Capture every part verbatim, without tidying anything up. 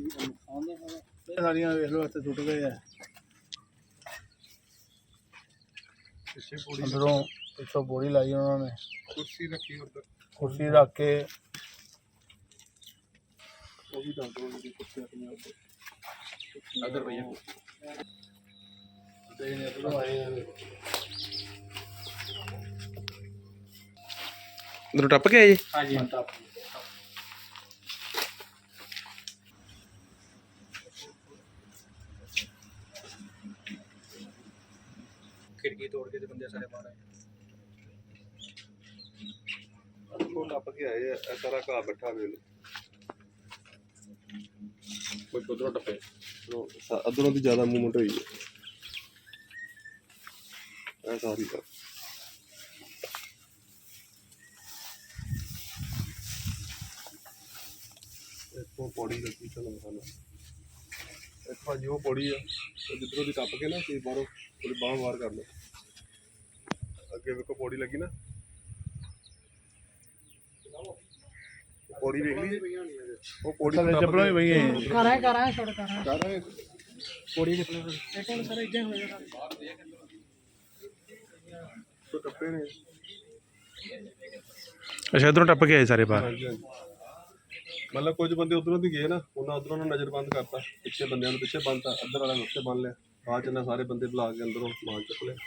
ਸਾਰੀਆਂ ਵੇਖ ਲਓ ਇੱਥੇ ਟੁੱਟ ਗਏ ਆ ਅੰਦਰੋਂ ਪਿੱਛੋਂ ਬੋਰੀ ਲਾਈ ਉਹਨਾਂ ਨੇ ਕੁਰਸੀ ਰੱਖੀ ਉੱਧਰ ਕੁਰਸੀ ਰੱਖ ਕੇ ਉਹ ਵੀ ਦੱਸ ਦੋ ਜੀ ਕੁਰਸੀ ਆਪਣੀ ਉੱਧਰ ਅਦਰ ਭਈਆ ਦੇ ਨੇ ਤੋਂ ਆਏ ਅੰਦਰੋਂ ਟੱਪ ਕੇ ਆਏ ਜੀ? ਹਾਂਜੀ ਟੱਪ खिड़की तोड़ के बंदे सारे बाहर आए टप के आए सारा घा बैठा वेल कोई उधरों टप्पे अदरों की ज्यादा मूवमेंट हुई है सारी का इतों पौड़ी लगी चलो खाना इतना जो पौड़ी है जिधरों की टप के ना कि बाहरों थोड़ी बाह बाहर कर लो अगे वेखो पौड़ी लगी ना पौड़ी देख ली वो पौड़ी चप्पलों भी वही है कर है कर है छोड़ कर है कर रहे पौड़ी चप्पल एक और सर इधर हो जाएगा तो टप्पे ने अच्छा इधरों टप के आए सारे बाहर मतलब कुछ बंदे उधरों भी गए ना उन्होंने उधरों नज़र बंद करता पिछले बंदे पिछे बंद अद्धर वाले उत्थे बन लिया बाद च सारे बंदे बुला के अंदरों समान चुक लिया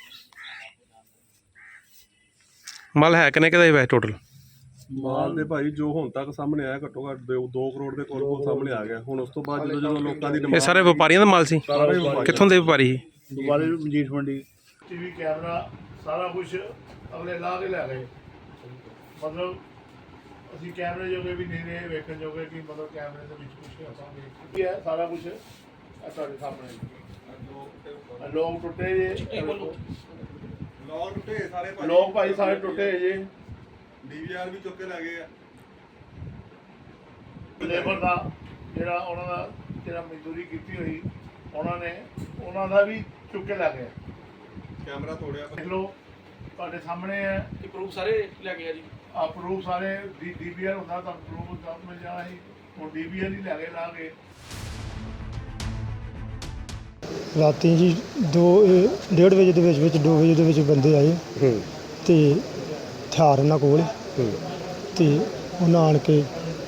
माल है किन्ने का वैसे टोटल माल दे भाई जो हुण तक सामने आया घट्टो घट्ट दो करोड़ के कोल कोल सामने आ गया हुण उस तो बाद जो जो लोकां दी ये सारे व्यापारियों का माल सी कित्थों दे व्यापारी सी दुबारे मजीठ मंडी टीवी कैमरा सारा कुछ अगले ला के लै गए मतलब ਅਸੀਂ ਕੈਮਰੇ ਜੋਗੇ ਵੀ ਨਹੀਂ ਰਹੇ ਵੇਖਣ ਜੋਗੇ ਕਿ ਮਤਲਬ ਕੈਮਰੇ ਦੇ ਵਿੱਚ ਕੁਝ ਆਪਾਂ ਦੇਖ ਕੀ ਹੈ ਸਾਰਾ ਕੁਝ ਆ ਤੁਹਾਡੇ ਸਾਹਮਣੇ ਲੋਕ ਟੁੱਟੇ ਜੇ ਲੋਕ ਟੁੱਟੇ ਸਾਰੇ ਭਾਈ ਲੋਕ ਭਾਈ ਸਾਰੇ ਟੁੱਟੇ ਜੇ ਡੀਵੀਆਰ ਵੀ ਚੁੱਕ ਕੇ ਲੈ ਗਏ ਆ ਲੇਬਰ ਦਾ ਜਿਹੜਾ ਉਹਨਾਂ ਦਾ ਜਿਹੜਾ ਮਜ਼ਦੂਰੀ ਕੀਤੀ ਹੋਈ ਉਹਨਾਂ ਨੇ ਉਹਨਾਂ ਦਾ ਵੀ ਚੁੱਕ ਕੇ ਲੈ ਗਏ ਕੈਮਰਾ ਤੋੜਿਆ ਦੇਖ ਲਓ ਤੁਹਾਡੇ ਸਾਹਮਣੇ ਹੈ कि प्रूफ सारे ले गया जी ਆ ਪ੍ਰੂਫ ਸਾਰੇ ਡੀ ਡੀਵੀਆਰ ਹੁੰਦਾ ਤਾਂ ਪ੍ਰੂਫ ਦਾ ਮਿਲ ਜਾਣਾ ਸੀ ਹੁਣ ਡੀਵੀਆਰ ਹੀ ਲੈ ਕੇ ਲਾ ਕੇ ਰਾਤੀ ਜੀ ਦੋ ਡੇਢ ਵਜੇ ਦੇ ਵਿੱਚ ਵਿੱਚ ਦੋ ਵਜੇ ਦੇ ਵਿੱਚ ਬੰਦੇ ਆਏ ਤੇ ਹਥਿਆਰ ਉਹਨਾਂ ਕੋਲ ਤੇ ਉਹਨਾਂ ਆਣ ਕੇ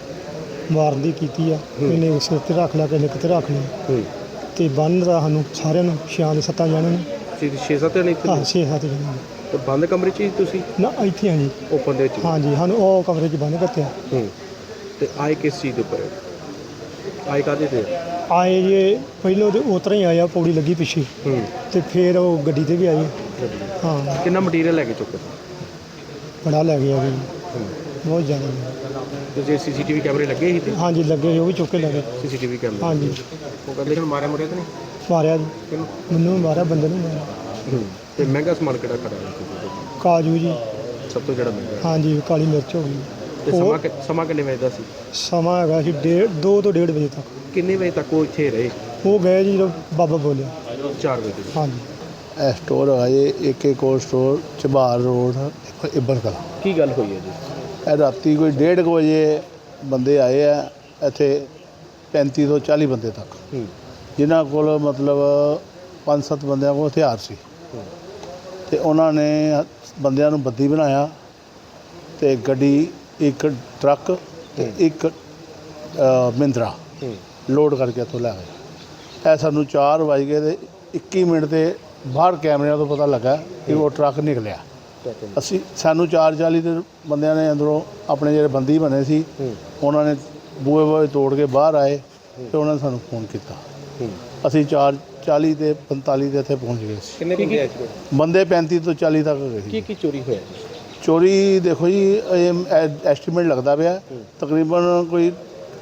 ਮਾਰਨ ਦੀ ਕੀਤੀ ਆ ਇਹਨੇ ਸਿਰ ਤੇ ਰੱਖ ਲਿਆ ਕਿਸੇ ਨੇ ਕਿਤੇ ਰੱਖ ਲਿਆ ਤੇ ਬੰਨ ਦਾ ਸਾਨੂੰ ਸਾਰਿਆਂ ਨੂੰ ਛਿਆਂ ਦੇ ਸੱਤਾਂ ਜਾਣਿਆਂ ਨੂੰ छे सत्त जने ਹਾਂ ਛੇ ਸੱਤ ਜਾਣਿਆਂ ਨੂੰ तो बंद कमरे च तुसी ਨਾ ਇੱਥੇ ਆ ਜੀ ओपन दे च ਹਾਂਜੀ ਸਾਨੂੰ ਉਹ ਕਮਰੇ 'ਚ ਬੰਨ ਕੱਤਿਆ हूं ते आए किस चीज दे ऊपर आए कादे ते ਆਏ ਜੇ ਪਹਿਲਾਂ ਤੇ ਉਤਰਾ ਹੀ ਆਇਆ ਪੌੜੀ ਲੱਗੀ ਪਿੱਛੇ हूं ਤੇ ਫਿਰ ਉਹ ਗੱਡੀ ਤੇ ਵੀ ਆਏ ਹਾਂ कितना मटीरियल लेके चुके ਬੜਾ ਲੈ ਗਿਆ ਜੀ ਬਹੁਤ ਜ਼ਿਆਦਾ तो जे सीसीटीवी कैमरे लगे ही थे ਹਾਂਜੀ ਲੱਗੇ ਉਹ ਵੀ ਚੁੱਕ ਕੇ ਲੈ ਗਏ सीसीटीवी कैमरे ਹਾਂਜੀ वो कहते कि मारे मुरे तो नहीं ਮਾਰਿਆ ਜੀ किनु ਮੈਨੂੰ ਵੀ ਮਾਰਿਆ ਬੰਦੇ ਨੂੰ ਮਾਰਿਆ हूं ते महंगा सामान केड़ा खड़ा है ਕਾਜੂ ਜੀ सब तो जड़ा महंगा ਹਾਂਜੀ ਕਾਲੀ ਮਿਰਚ ਹੋ ਗਈ ਤੇ ਸਮਾਂ ਕਿ- ਸਮਾਂ ਕਿੰਨੇ ਵਜੇ ਦਾ ਸੀ ਸਮਾਂ ਹੈਗਾ ਸੀ ਡੇਢ ਦੋ ਤੋਂ ਡੇਢ ਵਜੇ ਤੱਕ ਕਿੰਨੇ ਵਜੇ ਤੱਕ ਉਹ ਇੱਥੇ ਰਹੇ ਉਹ ਗਏ ਜੀ ਜਦੋਂ ਬਾਬਾ ਬੋਲਿਆ ਚਾਰ ਵਜੇ ਹਾਂਜੀ ਇਹ ਸਟੋਰ ਹੈਗਾ ਜੀ ਏਕੇ ਕੋਲ ਸਟੋਰ ਚਬਾਰ ਰੋਡ ਇੱਬਰ ਕਲਾਂ। ਕੀ ਗੱਲ ਹੋਈ ਹੈ ਜੀ ਇਹ ਰਾਤੀ ਕੋਈ ਡੇਢ ਕੁ ਵਜੇ ਬੰਦੇ ਆਏ ਆ ਇੱਥੇ ਪੈਂਤੀ ਤੋਂ ਚਾਲੀ ਬੰਦੇ ਤੱਕ ਹੂੰ ਜਿਨ੍ਹਾਂ ਕੋਲ ਮਤਲਬ ਪੰਜ ਸੱਤ ਬੰਦਿਆਂ ਕੋਲ ਹਥਿਆਰ ਸੀ ਤੇ ਉਹਨਾਂ ਨੇ ਬੰਦਿਆਂ ਨੂੰ ਬੱਦੀ ਬਣਾਇਆ ਤੇ ਗੱਡੀ ਇੱਕ ਟਰੱਕ ਤੇ ਇੱਕ ਮਹਿੰਦਰਾ ਲੋਡ ਕਰਕੇ ਇੱਥੋਂ ਲੈ ਗਏ। ਇਹ ਸਾਨੂੰ ਚਾਰ ਵੱਜ ਗਏ ਤੇ ਇੱਕੀ ਮਿੰਟ ਤੇ ਬਾਹਰ ਕੈਮਰਿਆਂ ਤੋਂ ਪਤਾ ਲੱਗਾ ਕਿ ਉਹ ਟਰੱਕ ਨਿਕਲਿਆ। ਅਸੀਂ ਸਾਨੂੰ ਚਾਰ ਚਾਲੀ ਦੇ ਬੰਦਿਆਂ ਨੇ ਅੰਦਰੋਂ ਆਪਣੇ ਜਿਹੜੇ ਬੰਦੀ ਬਣੇ ਸੀ ਉਹਨਾਂ ਨੇ ਬੂਹੇ ਬੂਹੇ ਤੋੜ ਕੇ ਬਾਹਰ ਆਏ ਤੇ ਉਹਨਾਂ ਨੇ ਸਾਨੂੰ ਫੋਨ ਕੀਤਾ। ਅਸੀਂ ਚਾਰ ਚਾਲੀ ਤੇ ਪੰਤਾਲੀ ਦੇ ਇੱਥੇ ਪਹੁੰਚ ਗਏ ਸੀ। ਕਿੰਨੇ ਬੰਦੇ ਆਏ ਸੀ ਬੰਦੇ ਪੈਂਤੀ ਤੋਂ ਚਾਲੀ ਤੱਕ ਗਏ ਕੀ ਸੀ। ਕੀ ਚੋਰੀ ਹੋਇਆ ਜੀ ਚੋਰੀ ਦੇਖੋ ਜੀ ਇਹ ਐਸਟੀਮੇਟ ਲੱਗਦਾ ਪਿਆ ਤਕਰੀਬਨ ਕੋਈ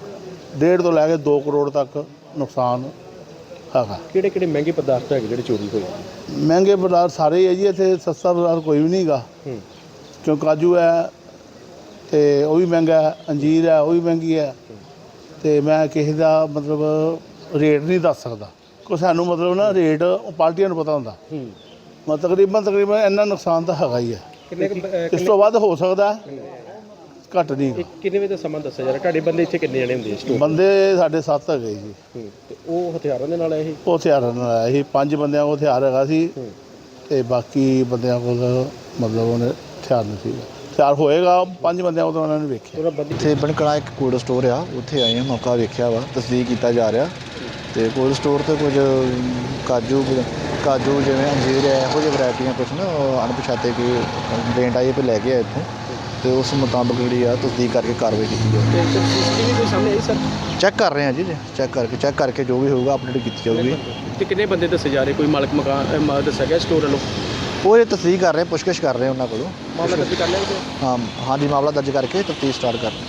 ਡੇਢ ਤੋਂ ਲੈ ਕੇ ਦੋ ਕਰੋੜ ਤੱਕ ਨੁਕਸਾਨ ਹੈਗਾ। ਕਿਹੜੇ ਕਿਹੜੇ ਮਹਿੰਗੇ ਪਦਾਰਥ ਹੈਗੇ ਜਿਹੜੇ ਚੋਰੀ ਹੋਏ ਮਹਿੰਗੇ ਪਦਾਰਥ ਸਾਰੇ ਹੀ ਹੈ ਜੀ ਇੱਥੇ ਸਸਤਾ ਪਦਾਰਥ ਕੋਈ ਵੀ ਨਹੀਂ ਹੈਗਾ ਕਿਉਂ ਕਾਜੂ ਹੈ ਤੇ ਉਹ ਵੀ ਮਹਿੰਗਾ ਹੈ, ਅੰਜੀਰ ਹੈ ਉਹ ਵੀ ਮਹਿੰਗੀ ਹੈ ਤੇ ਮੈਂ ਕਿਸੇ ਦਾ ਮਤਲਬ ਰੇਟ ਨਹੀਂ ਦੱਸ ਸਕਦਾ ਕੋਈ ਸਾਨੂੰ ਮਤਲਬ ਨਾ ਰੇਟ ਉਹ ਪਾਰਟੀਆਂ ਨੂੰ ਪਤਾ ਹੁੰਦਾ ਮਤਲਬ ਤਕਰੀਬਨ ਤਕਰੀਬਨ ਇੰਨਾ ਨੁਕਸਾਨ ਤਾਂ ਹੈਗਾ ਹੀ ਹੈ। ਕਿੰਨੇ ਇਸ ਤੋਂ ਵੱਧ ਹੋ ਸਕਦਾ ਘੱਟ ਨਹੀਂ ਇਹ ਕਿੰਨੇ ਵਜੇ ਦਾ ਸਮਾਂ ਦੱਸਿਆ ਜਾ ਰਿਹਾ? ਤੁਹਾਡੇ ਬੰਦੇ ਇੱਥੇ ਕਿੰਨੇ ਜਣੇ ਹੁੰਦੇ ਸਟੋਰ? ਬੰਦੇ ਸਾਡੇ ਸੱਤ ਹੈਗੇ ਜੀ। ਹੂੰ, ਤੇ ਉਹ ਹਥਿਆਰਾਂ ਦੇ ਨਾਲ ਆਏ ਸੀ? ਉਹ ਹਥਿਆਰਾਂ ਨਾਲ ਆਇਆ ਸੀ। ਪੰਜ ਬੰਦਿਆਂ ਕੋਲ ਹਥਿਆਰ ਹੈਗਾ ਸੀ ਹੂੰ। ਤੇ ਬਾਕੀ ਬੰਦਿਆਂ ਕੋਲ ਮਤਲਬ ਉਹਨੇ ਹਥਿਆਰ ਨਹੀਂ ਸੀ। ਹਥਿਆਰ ਹੋਏਗਾ ਪੰਜ ਬੰਦਿਆਂ ਕੋਲ ਤਾਂ ਉਹਨਾਂ ਨੇ ਵੇਖਿਆ। ਉਹਨਾਂ ਬੰਦੇ ਇੱਥੇ ਬਣਕੜਾ ਇੱਕ ਕੋਲਡ ਸਟੋਰ ਆ, ਉੱਥੇ ਆਏ ਹਾਂ, ਮੌਕਾ ਵੇਖਿਆ ਵਾ, ਤਸਦੀਕ ਕੀਤਾ ਜਾ ਰਿਹਾ। ਤੇ ਕੋਲਡ ਸਟੋਰ ਤੇ ਕੁਝ ਕਾਜੂ ਕਾਜੂ ਜਿਵੇਂ ਅੰਜੀਰ ਹੈ, ਇਹੋ ਜਿਹੀ ਵੈਰਾਈਟੀਆਂ ਕੁਛ ਨਾ ਉਹ ਅਣਪਛਾਤੇ ਕੋਈ ਕੰਪਲੇਂਟ ਆਈ ਪਈ ਲੈ ਕੇ ਆਏ ਇੱਥੋਂ, ਤੇ ਉਸ ਮੁਤਾਬਕ ਜਿਹੜੀ ਆ ਤਸਦੀਕ ਕਰਕੇ ਕਾਰਵਾਈ ਕੀਤੀ ਜਾਵੇ। ਤੇ ਸੀਸੀਟੀਵੀ ਕੋਈ ਸਾਹਮਣੇ ਆਈ ਸਰ? ਚੈੱਕ ਕਰ ਰਹੇ ਹਾਂ ਜੀ, ਚੈੱਕ ਕਰਕੇ ਚੈੱਕ ਕਰਕੇ ਜੋ ਵੀ ਹੋਊਗਾ ਅਪਡੇਟ ਕੀਤੀ ਜਾਊਗੀ। ਤੇ ਕਿੰਨੇ ਬੰਦੇ ਦੱਸੇ ਜਾ ਰਹੇ? ਕੋਈ ਮਾਲਕ ਮਕਾਨ ਅਹ, ਮਾ- ਦੱਸਿਆ ਗਿਆ ਸਟੋਰ ਵੱਲੋਂ? ਉਹ ਇਹ ਤਸਦੀਕ ਕਰ ਰਹੇ, ਪੁੱਛਗਿੱਛ ਕਰ ਰਹੇ ਉਹਨਾਂ ਕੋਲੋਂ। ਮਾਮਲਾ ਦਰਜ ਕਰ ਲਿਆ ਜੀ? ਹਾਂ ਹਾਂਜੀ, ਮਾਮਲਾ ਦਰਜ ਕਰਕੇ ਤਫਤੀਸ਼ ਸਟਾਰਟ ਕਰ ਰਹੇ।